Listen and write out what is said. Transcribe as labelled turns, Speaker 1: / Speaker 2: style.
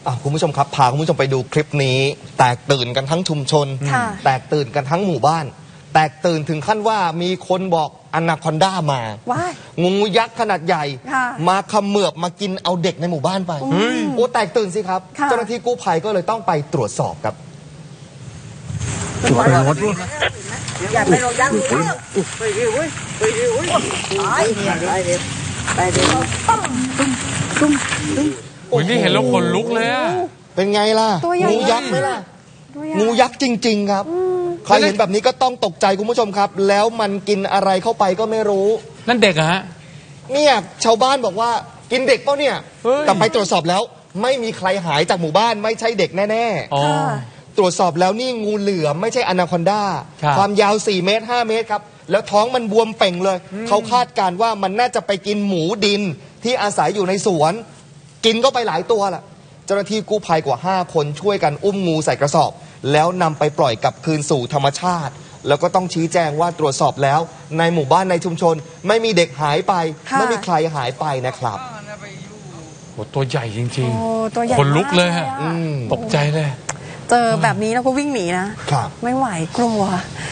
Speaker 1: คุณผู้ชมครับพาคุณผู้ชมไปดูคลิปนี้แตกตื่นกันทั้งชุมชนแตกตื่นกันทั้งหมู่บ้านแตกตื่นถึงขั้นว่ามีคนบอกอนาคอนด้ามางูยักษ์ขนาดใหญ่มาเขมือบมากินเอาเด็กในหมู่บ้านไปโอ้แตกตื่นสิครับเจ้าหน้าที่กู้ภัยก็เลยต้องไปตรวจสอบครับ
Speaker 2: อย่าไปลงยักษ์
Speaker 3: นี่เห็นแล้วขนลุกเลยอะ
Speaker 1: เป็นไงล่ะงูยักษ์ไหมล่ะงูยักษ์จริงๆครับใครเห็นแบบนี้ก็ต้องตกใจคุณผู้ชมครับแล้วมันกินอะไรเข้าไปก็ไม่รู้
Speaker 3: นั่นเด็กอะฮะ
Speaker 1: เนี่ยชาวบ้านบอกว่ากินเด็กเปล่าเนี่ยแต่ไปตรวจสอบแล้วไม่มีใครหายจากหมู่บ้านไม่ใช่เด็กแน่ๆตรวจสอบแล้วนี่งูเหลือมไม่ใช่อนาคอนดาความยาว4 เมตร 5 เมตรครับแล้วท้องมันบวมเป่งเลยเขาคาดการณ์ว่ามันน่าจะไปกินหมูดินที่อาศัยอยู่ในสวนกินก็ไปหลายตัวล่ะเจ้าหน้าที่กู้ภัยกว่า5 คนช่วยกันอุ้มงูใส่กระสอบแล้วนำไปปล่อยกลับคืนสู่ธรรมชาติแล้วก็ต้องชี้แจงว่าตรวจสอบแล้วในหมู่บ้านในชุมชนไม่มีเด็กหายไปไม่มีใครหายไปนะครับ
Speaker 3: โอ้ตัวใหญ่จริงๆคนลุกเลยฮะตกใจเลย
Speaker 4: เจอแบบนี้แล้วก็วิ่งหนีนะไม่ไหวกลัว